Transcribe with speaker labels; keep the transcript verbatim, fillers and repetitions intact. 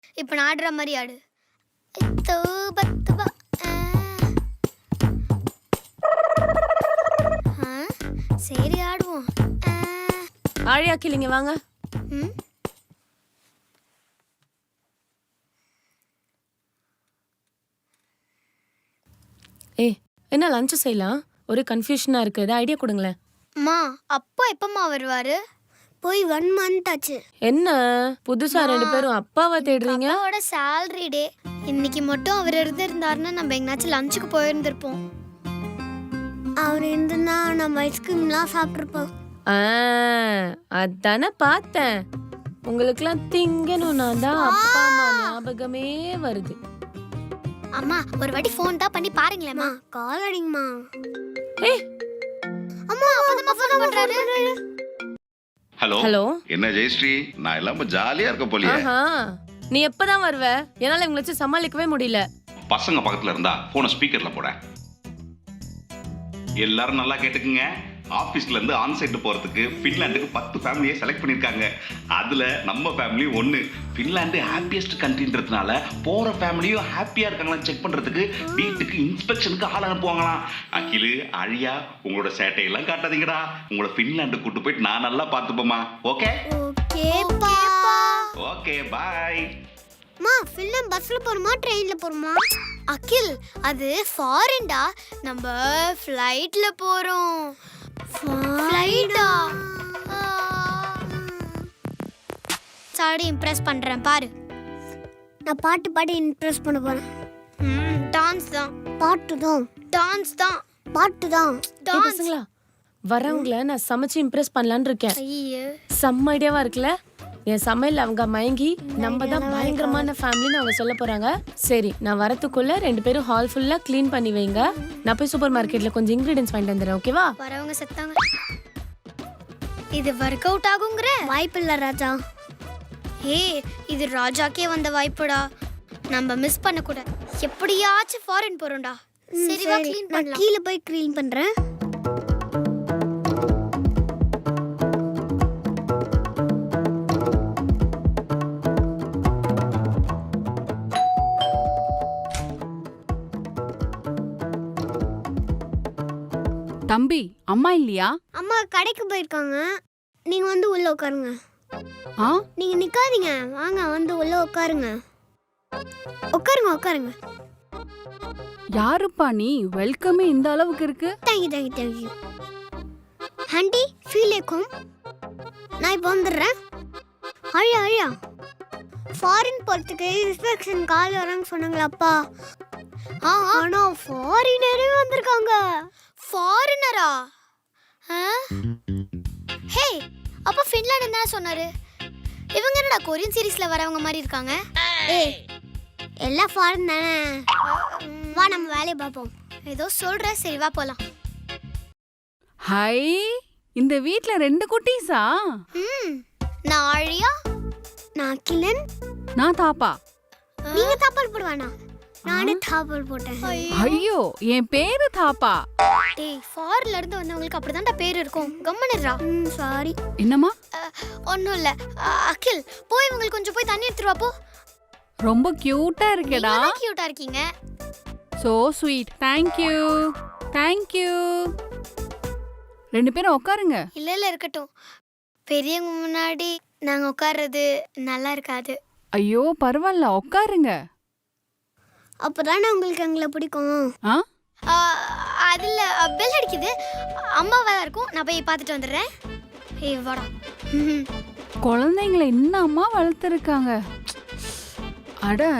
Speaker 1: இப்போ நான் ஆடுற மாதிரி ஆடு. இத்தோ பத்து பா. ஆ, சரி ஆடுவோம்.
Speaker 2: ஆழியா கிளிங்க வாங்க.
Speaker 1: ம்
Speaker 2: ஏய் என்ன லஞ்ச் செய்யலாம்? ஒரு கன்ஃபியூஷனா இருக்கு. ஏதாவது ஐடியா கொடுங்களேன்.
Speaker 1: அம்மா அப்பா எப்பம்மா வருவாரு? போய் ஒன் மந்த் ஆச்சு.
Speaker 2: என்ன புதுசா ரெண்டு பேரும் அப்பாவை தேடுறீங்க?
Speaker 1: அப்பாவோட salary டே. இன்னைக்கு மட்டும் அவர் இருந்திருந்தாருன்னா நம்ம எங்கனாச்சும் லஞ்சுக்கு போயிருந்திருப்போம். அவர் இருந்திருந்தா நம்ம ஐஸ்கிரீம்லாம் சாப்பிட்ருப்போம்.
Speaker 2: ஆ அதானே பார்த்தேன். உங்களுக்குலாம் திங்கணும்னா தான் அப்பா அம்மா ஞாபகமே வருது.
Speaker 1: அம்மா ஒரு வாட்டி ஃபோன் தான் பண்ணி பாருங்களேம்மா. கால் அடிங்கம்மா.
Speaker 2: ஏய்
Speaker 1: அம்மா அப்பதான் ஃபோன் பண்றாரு.
Speaker 3: Hello
Speaker 2: hello.
Speaker 3: என்ன ஜெயஸ்ரீ, நான் எல்லாமே ஜாலியா இருக்க போலியே.
Speaker 2: ஆஹா நீ எப்பதான் வருவ? என்னால இவங்களை வச்சு சமாளிக்கவே முடியல.
Speaker 3: பசங்க பக்கத்துல இருந்தா போனை ஸ்பீக்கர்ல போட. எல்லாரும் நல்லா கேட்டுக்குங்க. ஆபீஸ்ல இருந்து ஆன் சைட் போறதுக்கு பின்லாந்துக்கு பத்து ஃபேமிலியை செலக்ட் பண்ணிருக்காங்க. அதுல நம்ம ஃபேமிலி ஒன்னு. பின்லாந்து ஹாப்பியஸ்ட் கண்ட்ரின்றதுனால போற ஃபேமிலியும் ஹாப்பியா இருக்காங்களா செக் பண்றதுக்கு வீட்டுக்கு இன்ஸ்பெக்ஷனுக்கு ஆள் அனுப்புவாங்களாம். அகிலு அழியா உங்களோட சேட்டையெல்லாம் காட்டாதீங்கடா. உங்களை பின்லாந்து கூட்டு போயிட்டு நான் நல்லா பார்த்துப்போமா. ஓகே
Speaker 1: ஓகேப்பா.
Speaker 3: Okay bye.
Speaker 1: மா ஃபில்ம் பஸ்ல போறோமா ட்ரெயின்ல போறோமா? அகில் அது ஃபாரின்டா. நம்ம ஃளைட்ல போறோம். ஃளைட்டா? சாடி இம்ப்ரெஸ் பண்றேன் பாரு. நான் பாட்டு பாடி இம்ப்ரெஸ் பண்ண போறேன். ம் டான்ஸ் தான். பாட்டு தான். டான்ஸ் தான். பாட்டு தான்.
Speaker 2: ஏய் பசங்களா வரவங்கள நான் சமைச்சு இம்ப்ரெஸ் பண்ணலான்னு இருக்கேன்.
Speaker 1: ஐயே
Speaker 2: செம்ம ஐடியாவா இருக்குல்ல? என் சமையல் அவங்க மயங்கி நம்ம தான் பயங்கரமான ஃபேமிலின்னு அவங்க சொல்ல போறாங்க. சரி நான் வரத்துக்குள்ள ரெண்டு பேரும் ஹால் ஃபுல்லா க்ளீன் பண்ணி வைங்க. நான் போய் சூப்பர் மார்க்கெட்ல கொஞ்சம் இன்கிரிடியன்ஸ் வாங்கிட்டு வந்துடுறேன். ஓகேவா?
Speaker 1: வரவங்க செத்தாங்க. இது ஒர்க் அவுட் ஆகுங்கற வாய்ப்பில்லை ராஜா. ஏய் இது ராஜாக்கே வந்த வாய்ப்புடா. நம்ம மிஸ் பண்ண கூட. எப்படியாச்சும் ஃபாரின் போறோம்டா. சரி வா க்ளீன் பண்ணலாம். கீழ போய் க்ளீன் பண்றேன்.
Speaker 4: தம்பி அம்மா இல்லையா?
Speaker 1: அம்மா கடைக்கு போயிருக்காங்க. நீங்க வந்து உள்ள உட்காருங்க.
Speaker 4: ஆ
Speaker 1: நீங்க நிக்காதீங்க, வாங்க வந்து உள்ள உட்காருங்க. உட்காருங்க உட்காருங்க.
Speaker 4: யாருப்பா நீ? வெல்கமே இந்த அளவுக்கு இருக்கு.
Speaker 1: Thank you thank you thank you. Aunty feel ஏக்கும். நான் இப்போ வந்துடுறேன். அழியா அழியா ஃபாரின் போகிறதுக்கு இன்ஸ்பெக்ஷன் கால் வரான்னு சொன்னாங்களாப்பா. ஆ ஆனா ஃபாரினரே வந்திருக்காங்க. ஃபாரினரா? ஹே அப்போ ஃபின்லாண்ட் என்ன சொன்னாரு? இவங்க என்னடா கொரியன் சீரிஸ்ல வரவங்க மாதிரி இருக்காங்க? ஏய் எல்லாம் ஃபாரின் தானே. வா நம்ம வேலையை பார்ப்போம். ஏதோ சொல்ற, சரி வா போலாம்.
Speaker 4: ஹை இந்த வீட்ல ரெண்டு குட்டீஸா?
Speaker 1: ம் நான் ஆழியா, நான் கிளன்,
Speaker 4: நான் தாப்பா.
Speaker 1: நீங்க தாப்பால் போடுவானா? நானே தாப்பால் போட்டேன்.
Speaker 4: ஐயோ என் பேரு தாப்பா.
Speaker 1: டேய் ஃபாரின்ல இருந்து வந்தவங்களுக்கு அப்படிதான்டா பேர் இருக்கும். கம்மனிரா. ம் சாரி.
Speaker 4: என்னம்மா?
Speaker 1: ஒண்ணும் இல்ல. அகில் போய் இவங்களுக்கு கொஞ்சம் போய் தண்ணி எடுத்துட்டு வா போ.
Speaker 4: ரொம்ப கியூட்டா இருக்கேடா.
Speaker 1: நீங்க கியூட்டா இருக்கீங்க.
Speaker 4: So sweet. Thank you thank you. ரெண்டு பேரும் உட்காருங்க.
Speaker 1: இல்ல இல்ல இருக்கட்டும். பெரியவங்க முன்னாடி நாங்க உட்கார்றது நல்லா இருக்காது.
Speaker 4: ஐயோ பரவாயில்ல உட்காருங்க.
Speaker 1: அப்பதானே உங்களுக்கு எங்களை பிடிக்கும்.
Speaker 4: ஆ
Speaker 1: அதில் பெல் அடிக்குது. அம்மாவா இருக்கும். நான் போய் பார்த்துட்டு வந்துடுறேன். ஏய் வாடா.
Speaker 4: குழந்தைங்களை இன்னும் அம்மா வளர்த்துருக்காங்க. அட